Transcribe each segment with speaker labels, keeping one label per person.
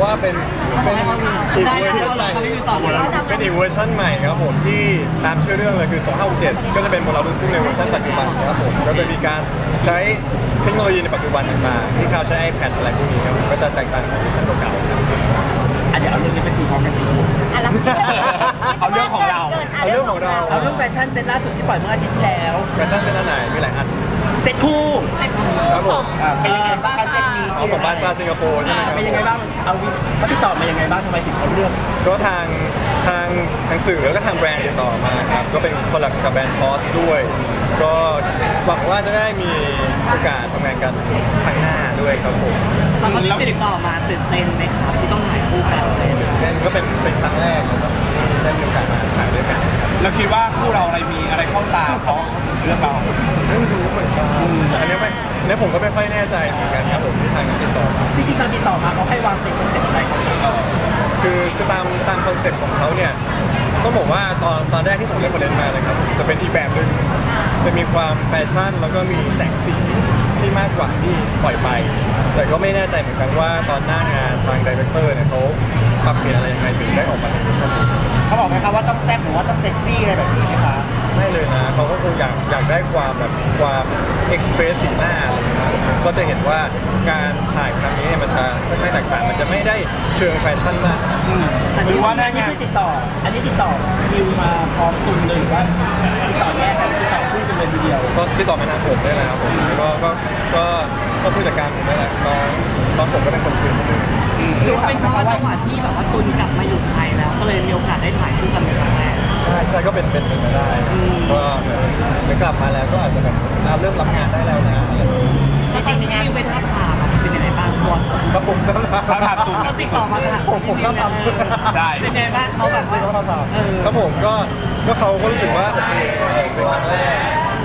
Speaker 1: ว่าเป็นอีกเวอร์ชันใหม่เป็นอีกเวอร์ชันใหม่ครับผมที่ตามชื่อเรื่องเลยคือ2567ก็จะเป็นโมเลกุลพุ่งในเวอร์ชันปัจจุบันครับผมก็จะมีการใช้เทคโนโลยีในปัจจุบันต่างๆที่เขาใช้ iPad อะไรพวกนี้ครับก็จะแตกต่างจากเวอร์ชันเก่าๆครับ
Speaker 2: เดี๋ยวเอาเรื่องนี้ไปคุยพร้อมกันสิเอาเรื่องของเรา
Speaker 1: เอาเรื่องของเรา
Speaker 2: เอาเรื่องแฟชั่นเซตล่าสุดที่ปล่อยเมื่ออาทิตย์ที่แล้ว
Speaker 1: แฟชั่นเซ็ตอันไหนมีหลายอัน
Speaker 2: เซตคู่
Speaker 1: ครับผม
Speaker 2: เป็นยังไงบ้างเซตนี้
Speaker 1: เอาของบาซ่าสิงคโปร์ใช่ไหมครับ
Speaker 2: เป็นยังไงบ้างเอาเขาติดต่อมายังไงบ้างทำไมถึงเขาเลือก
Speaker 1: ก็ทางสื่อแล้วก็ทางแบรนด์ติดต่อมาครับก็เป็นคอลแลบกับแบรนด์พอสด้วย ก็หวังว่าจะได้มีโอกาสทำงานกันครั้งหน้าด้วยครับผม
Speaker 3: ตอนเขาติดต่อมาตื่นเต้นไหมครับที่ต้องถ่ายคู่กันเลย
Speaker 1: นั่นก็เป็นครั้งแรกนะครับที่ได้มีโอกาสมาถ่ายด้วยกันครับ
Speaker 4: เราคิดว่าคู่เราอะไรมีอะไรเข้าตาเขาเรื่องเรา
Speaker 1: ไม่รู้เหมือนกันอันนี้ผมก็ไม่ค่อยแน่ใจเหมือนกันครับผมที่ทางนั้นติดต่อมา
Speaker 2: จริงๆตอนติดต่อมาเขาให้วางเป็นคอนเซ็ปต์อะไรของเขา
Speaker 1: คือตามคอนเซ็ปต์ของเขาเนี่ยต้องบอกว่าตอนแรกที่ผมเล่นมาเลยครับจะเป็นอีกแบบหนึ่งจะมีความแฟชั่นแล้วก็มีแสงสีที่มากกว่าที่ปล่อยไป แต่ก็ไม่แน่ใจเหมือนกันว่าตอนหน้างานทางดีเรคเตอร์เนี่ยเขาปรับเปลี่ยนอะไรยังไงถึงได้ออกมาในเวอร์ชันนี้
Speaker 2: เขาบอกไหมครับว่าต้องแซ่บหรือว่าต้องเซ็กซี่อะไรแบบนี้ไหมคะ
Speaker 1: ไม่เลยนะเขาก็คงอยากได้ความแบบความเอ็กซ์เพรสสีหน้าอะไรอย่างเงี้ยก็จะเห็นว่าการถ่ายครั้งนี้เนี่ยมันจะค่อนข้างแตกต่างมันจะไม่ได้เชิงแฟชั่นมาก
Speaker 2: หรือว่าอันนี้คือติดต่อคิวมาพร้อมตุนเลยหรือว่าติดต่อแยกกันติดต่อคู่กันเลยทีเดียว
Speaker 1: ก็ติดต่อมาทางผมได้เลยครับผมก็ผู้จัดการผมได้แหละน้องผมก็เป็นคนคุย
Speaker 3: หรือว่าเป็นเพราะว่าจังหวะที่แบบว่าตุนกลับมาอยู่ไทยแล้ว ก็เลยมีโอกาสได้ถ่ายคู่กันเป็นครั้งแรก
Speaker 1: ใช่ก็เป็นไปได้ก็เหมือนกลับมาแล้วก็อาจจะแบบเริ่มรับงานได้แล้วนะอะไรอย่างเงี้ย
Speaker 3: แล้วตอนนี้คิวไปท่าทางเป็นยังไงบ้างบอล
Speaker 1: ครับผมก็
Speaker 4: เขาถามตุ้ม
Speaker 3: เขาติดต่อมาถาม
Speaker 1: ผมก็ทำ
Speaker 4: ได้
Speaker 3: เป็นยังไงบ้างเขาแบบว่า
Speaker 1: ครับผมก็เขาก็รู้สึกว่าโอเคเป็นครั้งแรก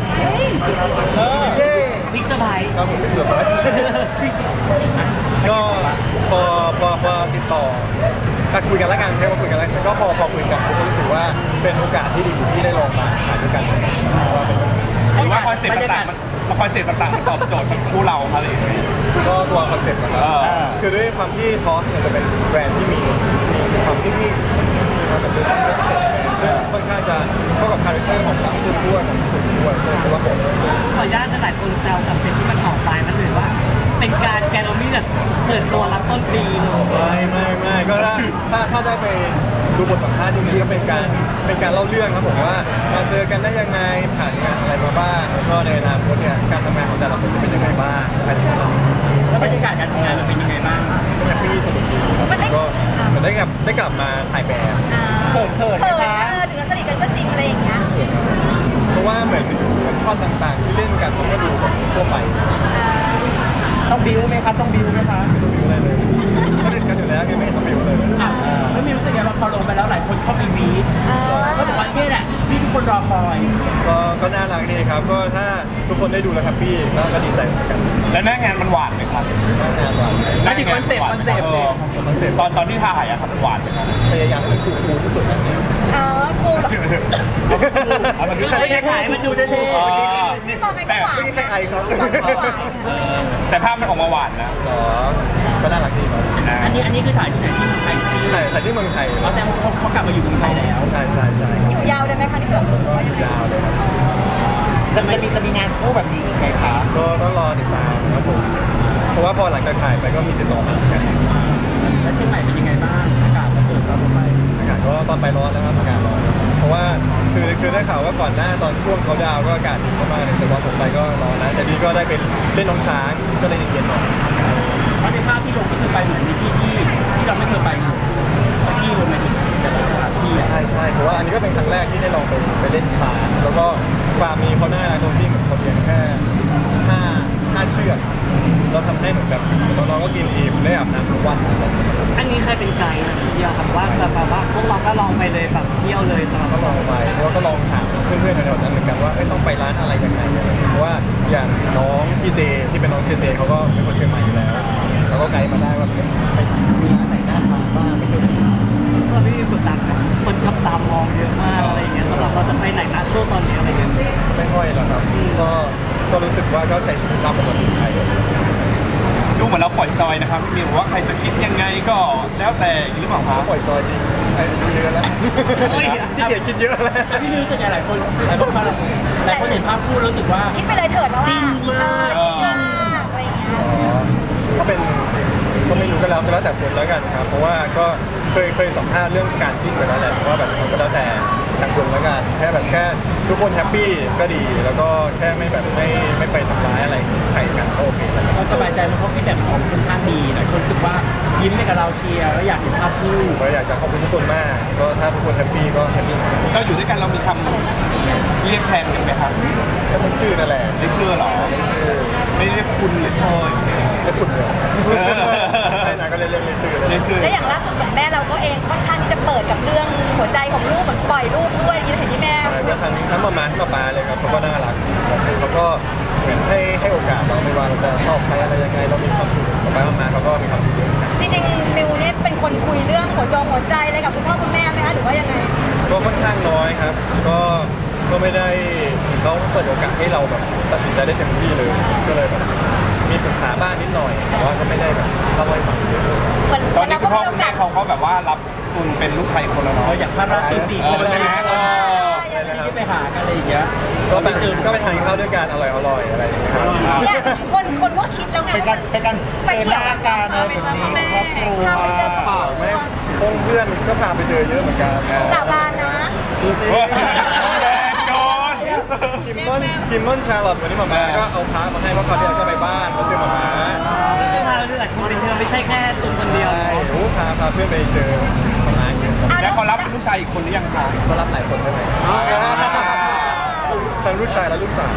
Speaker 1: เย้
Speaker 3: บิ๊กเซอร์ไพรส์
Speaker 1: ครับผมเกือบไปก็พอติดต่อคุยกันแล้วกันแค่ว่าคุยกันแล้วก็พอคุยกันผมก็รู้สึกว่าเป็นโอกาสที่ดีที่ได้ลองมาถ่ายด้วยกันว่าเป็น
Speaker 4: หรือว่าคอนเซ็ปต์ต่างๆมันตอบโจทย์สำหรับคู่เราอะไรอย่างเงี้ย
Speaker 1: ก็ตัวคอนเซ็ปต์นะครับคือด้วยความที่ทอสเนี่ยจะเป็นแบรนด์ที่มีความนิ่งๆมีความแบบเป็นเรสเพคซึ่งค่อนข้างจะเข้ากับคาแรคเตอร์ของทั้งคุณด้วยของคุณด้วยเพราะว่าผม
Speaker 3: ขออนุญาตหลายคนแซวกับเซตที่มันออกไปมันเหมือนว่า เป็นการแกลเลอรี่แบบเปิดตัวรับต้นปีเลย
Speaker 1: ไม่ก็ถ้าได้ไปดูบทสัมภาษณ์ที่นี้ก็เป็นการเล่าเรื่องครับผมว่ามาเจอกันได้ยังไงผ่านงานอะไรมาบ้างแล้วก็ในอนาคตเนี่ยการทำงานของแต่ละคนจะเป็นยังไงบ้างอะไรอย่างเงี้ย
Speaker 2: แล้วบรรยากาศการทำงานมันเป็นยังไงบ้าง
Speaker 1: ก็แฮปปี้สนุกดีครับก็เหมือนได้กลับมาถ่ายแบบ
Speaker 2: เขินนะคะ
Speaker 5: ถึงเราสนิทกันก็จริงอะไรอย่างเงี้ย
Speaker 1: เพราะว่าเหมือนช็อตต่างๆ ที่เล่นกันมันก็ดูแบบทั่วไป
Speaker 2: ต้องบิ้วไหมครับต้องบิ้วไหมคะ
Speaker 1: ไม่ต้องบิวอะไรเลยสนิทกันอยู่แล้วไงไม่เห็นต้องบิวเลย
Speaker 2: แล้วมีรู้สึกยังไงว่าพอลงไปแล้วหลายคนเข้าไปวีดเขาบอกว่าเนี่ยแหละที่ทุกคนรอคอย
Speaker 1: ก็น่ารักดีครับก็ถ้าทุกคนได้ดูแล้วแฮปปี้ก็ดีใจเหมือนกัน
Speaker 4: แล้วหน้างานมันหวานไหมครับ
Speaker 1: น่างานหวาน
Speaker 2: แล้วที่คอนเซ็ปต์เลย
Speaker 1: คอนเซ็ปต์
Speaker 4: ตอนที่ถ่ายอะครับมันหวานไหมครับ
Speaker 1: พยายามให้มันคูลที่สุดนะเนี่ย
Speaker 5: ครูเหรอ
Speaker 4: เอามัน
Speaker 2: ใครจะขายมันดูเท่
Speaker 5: พี่มองไงก็หวาน
Speaker 1: ไม่ใช่ใครครับ
Speaker 4: แต่ภาพมันออกมาหวานนะ
Speaker 1: หรอก็น่ารักดีครับ
Speaker 2: อันนี้คือถ่ายที่ไหนที่ไทยที่
Speaker 1: แต่ที่เมืองไทย
Speaker 2: แสดงว่าเขากลับมาอยู่เมืองไทยแล้ว
Speaker 1: ใช่
Speaker 5: อยู่ยาวได้ไหมคะที่แบบ
Speaker 1: ก็อยู่ยาวเลยครับ
Speaker 2: จะมีงานคู่แบบนี้อีกไหมคะ
Speaker 1: ก็ต้องรอติดตามครับผมเพราะว่าพอหลังจากถ่ายไปก็มีติดต่อมาเหมือนกัน
Speaker 2: แล้วเชียงใหม่เป็นยังไงบ้างอากาศมันเปิดตอนไป
Speaker 1: อากาศก็ตอนไปร้อนแล้วครับอากาศร้อนเพราะว่าคือได้ข่าวว่าก่อนหน้าตอนช่วงเขาดาวก็อากาศดีมากๆเลยแต่ว่าผมไปก็ร้อนนะแต่นี่ก็ได้เป็นเล่นน้องช้างก็เลยเย็นๆหน่อย
Speaker 2: เพราะในภาพที่ลงก็คือไปเหมือนมีที่เราไม่เคยไปอยู่สักที่ลงในแต่ละสถานที่
Speaker 1: ใช่เพราะว่าอันนี้ก็เป็นครั้งแรกที่ได้ลองไปเล่นช้างแล้วก็ฟาร์มมีเขาหน้าตรงที่เหมือนเขาเลี้ยงแค่ห้าเชือกเราทำให้เหมือนแบบน้องๆก็กินอิ่มได้อาบน้ำทุกวัน
Speaker 3: อันนี้เคยเป็นไกด์นะเดียวครับว่าแบบว่าพวกเราก็ลองไปเลยแบบเที่ยวเลยสำหรับ
Speaker 1: ก็ลองไปแล้วก็ลองถามเพื่อนๆแถวๆนั้นเหมือนกันว่าต้องไปร้านอะไรยังไงเพราะว่าอย่างน้องพี่เจที่เป็นน้องเจเขาก็เป็นคนเชียงใหม่อยู่แล้วเขาก็ไกด์มาได้ว่ามีร้านไหนน่าทานบ้างไม่เคย
Speaker 3: ก็ไม่มีกดดันนะคนขับตามมองเยอะมากอะไรอย่างเงี้ยสำหรับเราจะไปไหนนะช่วงตอนนี้อะไรเงี้ย
Speaker 1: ไม่ค่อยหรอกครับก็รู้สึกว่าก็ใช้ชีวิตตามปกติไป
Speaker 4: ดูเหมือนเราปล่อยจอยนะครับพี่มิวว่าใครจะคิดยังไงก็แล้วแต่หรือเปล่าครับ
Speaker 1: ปล่อยจอยจริงอายุเยอะแล้วที่เกียจคิดเยอะแล้ว
Speaker 2: พี่มิวรู้สึกไงหลายคนเห็นภาพคู่รู้สึกว่า
Speaker 5: คิดไปเลยเถิดแล้วว่า
Speaker 2: จริงมาก
Speaker 5: จริงมากอะไรอย่างเงี้ย
Speaker 1: ก็เป็นก็ไม่รู้ก็แล้วแต่คนแล้วกันครับเพราะว่าก็เคยสัมภาษณ์เรื่องการจิ้นไปแล้วแหละว่าแบบมันก็แล้วแต่ทางคนแล้วกันแค่ทุกคนแฮปปี้ก็ดีแล้วก็แค่ไม่แบบไม่ไปทำร้ายอะไรใครกันก็โอเคแล้ว
Speaker 2: เราสบายใจเพราะฟีดแบ็กของค่อนข้างดีหลายคนรู้สึกว่ายิ้มให้กับเราเชียร์แล้วอยากเห็นภาพคู่
Speaker 1: ก็อยากจะขอบคุณทุกคนมากก็ถ้าทุกคนแฮปปี้ก็แฮปปี้
Speaker 4: เราอยู่ด้วยกันเรามีคำเรียกแทนกันไหมครับ
Speaker 1: ก็มันชื่อนั่นแหละ
Speaker 4: เรียกชื่อเหรอไม่เรียกคุณหรือเธออย่างเงี้ย
Speaker 1: ไม่ปุ่นเลยไม่นานก็เรียกชื่อเลย
Speaker 4: เรียกชื่อ
Speaker 5: และอย่างล่าสุดเหมือนแม่เราก็เองค่อนข้างที่จะเปิดกับเรื่องหัวใจของลูกเหมือนปล่อยลูกด้วยที่เห็นที่แม่
Speaker 1: ก็ทั้งมาทั้งป๊าเลยครับเขาก็น่ารักเขาก็เหมือนให้โอกาสเราไม่ว่าเราจะชอบใครอะไรยังไงเรามีความสุขป๊ามาเขาก็มีความสุขด้วย
Speaker 5: จริงๆมิวเนี่ยเป็นคนคุยเรื่องหัวใจอะไรกับคุณพ่อคุณแม่ไหมคะหรือว่ายังไง
Speaker 1: ก็ค่อนข้างน้อยครับ ก็ไม่ได้เขาเปิดโอกาสให้เราแบบตัดสินใจได้เต็มที่เลย ก็เลยแบบมีปรึกษาบ้างนิดหน่อย แต่ว่าก็ไม่ได้แบบเล่าให้ฟังเยอะ
Speaker 5: เหมือน
Speaker 4: ตอนนี้
Speaker 5: เรา
Speaker 4: คุ
Speaker 5: ก็
Speaker 4: ณพ่อ
Speaker 5: มีโอ
Speaker 4: คุณแม่
Speaker 5: กาส
Speaker 4: เขาก็แบบว่ารับคุณเป็นลูกชายคนละ
Speaker 2: เรา
Speaker 4: เนาะ
Speaker 2: อยากภาพล่าสุด4 คน
Speaker 4: ใช่ไหม
Speaker 2: ที่ไปหากันอะไรอย่างเงี้ย
Speaker 1: ก็ไปทานข้าวด้วยกันอร่อยอะไรอย่างเงี้ยครับ
Speaker 5: เนี่ยคนก็คิดแล้วไงว่าไปเที่ยวกันไปเจอพ่อแม่พาไปเจอพ่อ
Speaker 1: ไม่พงเพื่อนก็พาไปเจอเยอะเหมือนกัน
Speaker 5: สาบานนะ
Speaker 4: แดงโดน
Speaker 1: คิมมอนชาร์ลอตวันนี้มาม่าก็เอาพามาให้เพราะเขาวที่แล้วก็ไปบ้านเขาเจอมาม่า
Speaker 3: ที่มาด้วยหลายคนไปเที่ยวไม่ใช่แค่ตุนคนเดียว
Speaker 1: ใช่โอ้พาเพื่อนไปเจอมาม่าเยอะ
Speaker 4: แล้วเขารับเป็นลูกชายอีกคนหรือยังคะ
Speaker 1: ก็รับหลายคนได้ไหมทั้งลูกชายและลูกสาว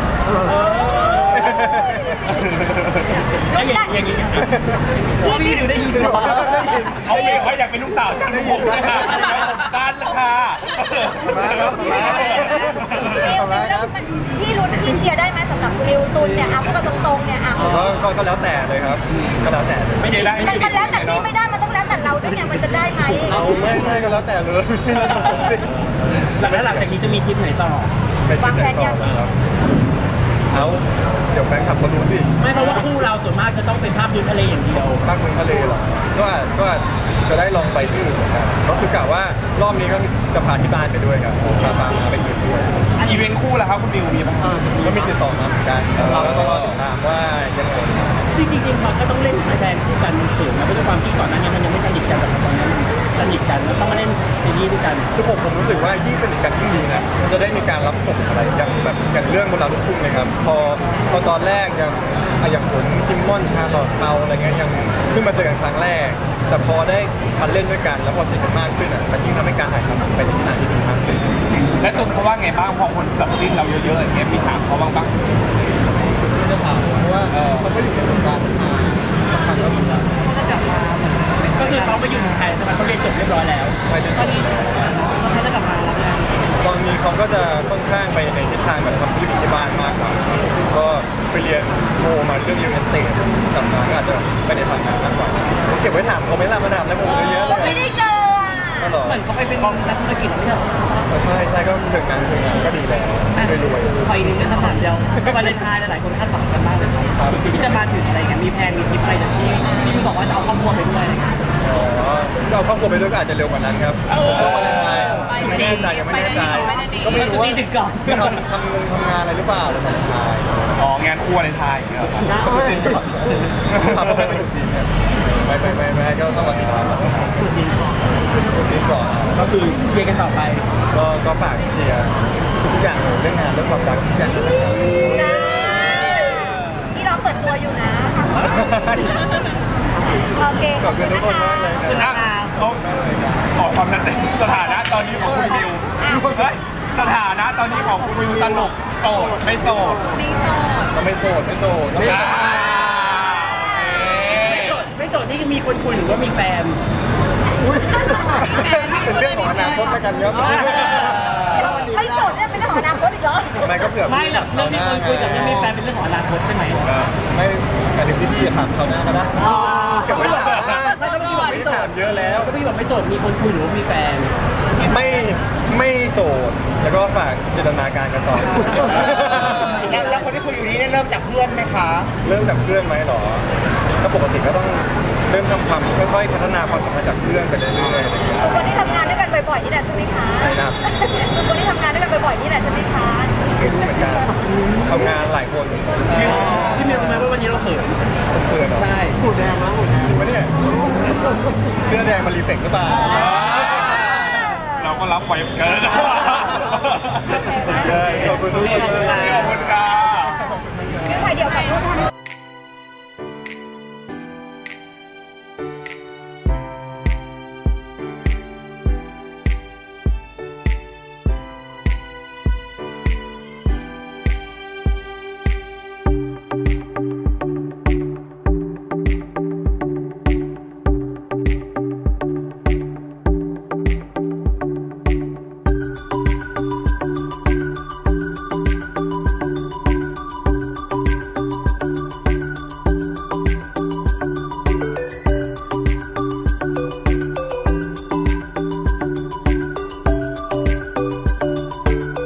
Speaker 2: อย่างนี้
Speaker 3: พี่ดูได้ยินไหม
Speaker 4: เอาเองว่าอยากเป็นลูกสาวจังผมนะคะกันละค่ะ
Speaker 1: มาครับมาครับ
Speaker 5: พี่ลุ้นพี่เชียร์ได้ไหมสำหรับริวตุนเนี่ยเอาพูดกันตรงๆเนี่ยอ่ะ
Speaker 1: ก็แล้วแต่เลยครับ ก็แล้วแต่เลย
Speaker 4: ไม่ใช่ได้
Speaker 5: มันแล้วแต่พี่ไม่ได้มันต้องแล้วแต่เราด้วยเนี่ยมันจะได้ไหม
Speaker 1: เอาไม่ก็แล้วแต่เลย
Speaker 2: หลังจากนี้จะมีทริปไหนต่อ
Speaker 1: ไปที่ไหนต่อครับเอาเดี๋ยวแฟนคลับเขารู้สิ
Speaker 2: ไม่เพราะว่าคู่เราส่วนมากจะต้องเป็นภาพวิวทะเลอย่างเดียว
Speaker 1: ภาคเมืองทะเลเหรอก็จะได้ลองไปที่อื่นเหมือนกันก็คือกะว่ารอบนี้ก็จะพาที่บ้านไปด้วยครับพามาไปอยู่ด้วย
Speaker 4: อีเวนต์คู่ล่ะครับคุณบิวมีบ้าง
Speaker 1: ก็มีติดต่อมาเหมือนกันแล้วก็รอติดตามว่ายังไง
Speaker 2: จริงๆพอก็ต้องเล่นแสดงคู่กันมันเขินนะเพราะด้วยความที่ก่อนหน้านี้มันยังไม่สนิทกันแต่ตอนนี้สนิทกันแล้วต้องมาเล่นซีรีส์ด้วยกัน
Speaker 1: คือผมรู้สึกว่ายิ่งสนิทกันยิ่งดีนะมันจะได้มีการรับส่งอะไรอย่างเรื่องบนดาวลูกทุ่งเลยครับพอตอนแรกอย่างผลคิมมอนชาลอตเปาอะไรเงี้ยยังเพิ่งมาเจอกันครั้งแรก แต่พอได้มาเล่นด้วยกันแล้วพอสนิทกันมากขึ้นอ่ะมันยิ่งทำให้การถ่ายทำไปในทิศทางที่ดีมากขึ้น
Speaker 4: และตุนเขาว่าไงบ้างพอคนจับจิ้นเราเยอะๆอย่างเงี้ยมีถามเขาบ้างปะ
Speaker 1: ไม่ได้ถามเพราะว่ามันก็อยู่ในวงการมาสักพักแล้วเหมือนกัน
Speaker 3: เขาจะกลับมาเหมือนเป็น
Speaker 2: ก็คือเขาไปอยู่เมืองไทยใช่ไหมเขาเรียนจบเรียบร้อยแล้ว
Speaker 1: ไปจน
Speaker 3: ตอนนี้เขาจะกลับมาแล้วไง
Speaker 1: ตอนนี้เขาก็จะค่อนข้างไปในทิศทางแบบทำธุรกิจที่บ้านมากกว่าก็ไปเรียนโมมาเรื่อง real estate กลับมาก็อาจจะไปในทางนั้นมากกว่าผมเก็บไว้ถามเขาไม่ล่ะมาถามแล้วผมเยอะๆเล
Speaker 5: ไม่
Speaker 1: ย
Speaker 5: ได้เจออ่ะ
Speaker 1: ก็หรอ
Speaker 3: เหมือนเขาไปเป็นนักธุรกิจไม่ใช่เหรอ
Speaker 1: ใช่ก็เชิงงานก็ดีแล้วรวย
Speaker 3: ขออีกหนึ่งคำถามเดียววาเลนไทน์หลายคนคาดหวังกันมากเลยครับที่จะมาถึงอะไรเงี้ยมีแพลนมีทริปอะไรแบบที่พี่บอกว่าจะเอาครอบครัวไปด้วยอะไรเงี้ย
Speaker 1: อ๋อก็เอาครอบครัวไปด้วยก็อาจจะเร็วกว่านั้นครับช่วงวาเลนไทน์ไม่แน่ใจยังไม่แน่ใจก็ไม่รู้ว่าทำงานอะไรหรือเปล่าหรือวาเลนไทน์
Speaker 4: อ๋องานคู่วาเลนไทน์อย่างเงี้ย
Speaker 1: จีนก่อนทำไม่ไปอยู่จีนเนี่ยไม่ก็ต้องมาติดตามมาจีนก่อน
Speaker 2: ก็คือเชียร์กันต่อไป
Speaker 1: ก็ฝากเชียร์ทุกอย่างเลยเรื่องงานเรื่องความรักทุกอย่างเลยนะครับ
Speaker 5: พี่เราเปิดตัวอยู่นะโอเค
Speaker 1: ขอบคุณทุกคนมากเลยนะ
Speaker 4: ต้องขอความชัดเจนสถานะตอนนี้ของคุณบิวเฮ้ยสถานะตอนนี้ของคุณบิวสนุกโสดไม่โสด
Speaker 1: ก็ไม่โสดก็
Speaker 2: ไม่โสดนี่มีคนคุยหรือว่ามีแฟน
Speaker 1: เป็นเรื่องของอนาคตแล้วกันครับ
Speaker 5: ไม่โสดเนี่ยเป็นเรื่องของอนาคตอีกเหรอ
Speaker 1: ไม่ก็เผื่อ
Speaker 3: ไม่หรอกเรื่องมีคนคุยกับเรื่องมีแฟนเป็นเรื่องของอนาคตใช่ไหม
Speaker 1: ไม่แต่ถึงพี่ถามเขาหน้าก็ได้เก็บไว้ถาม
Speaker 2: ไม่ต้องพี่บอกไม่โส
Speaker 1: ถา
Speaker 2: ด
Speaker 1: มเยอะแล้ว
Speaker 2: ก็พี่บอกไม่โสดมีคนคุยหรือว่ามีแฟน
Speaker 1: ไม่โสดแล้วก็ฝากจินตนาการกันต่อ
Speaker 6: แล้วคนที่คุยอยู่นี้เนี่ยเริ่มจากเพื่อนไหมคะ
Speaker 1: เริ่มจากเพื่อนไหมหรอก็ปกติก็ต้องเริ่มทำความค่อยๆพัฒนาความสัมพันธ์จากเพื่อนไปเรื่อยๆอะไรอย่างเงี้ย
Speaker 5: ทุกคนที่ทำงานด้วยกันบ่อยๆนี่แหละใช่ไหมคะ
Speaker 1: ใช่ครับ
Speaker 5: ทุกคนที่ทำงานด้วยกันบ่อยๆนี่แหละใช่ไหมคะ
Speaker 1: ไม่รู้เหมือนกันทำงานหลายคน
Speaker 2: พี่มิวรู้ไหมว่าวันนี้เราเขิน
Speaker 1: เพื่อนเหรอ
Speaker 2: ใช่
Speaker 1: จริงปะเนี่ยเสื้อแดงมารีเฟกหรือเปล่า
Speaker 4: เราก็รับไว้เกิน
Speaker 1: ขอบคุณทุกคนเลย
Speaker 4: ขอบคุณค่ะ
Speaker 5: ไม่ถ่ายเดียวกับลูกนะ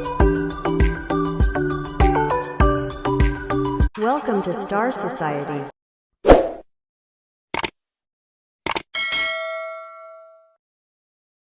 Speaker 6: Welcome to Star Society.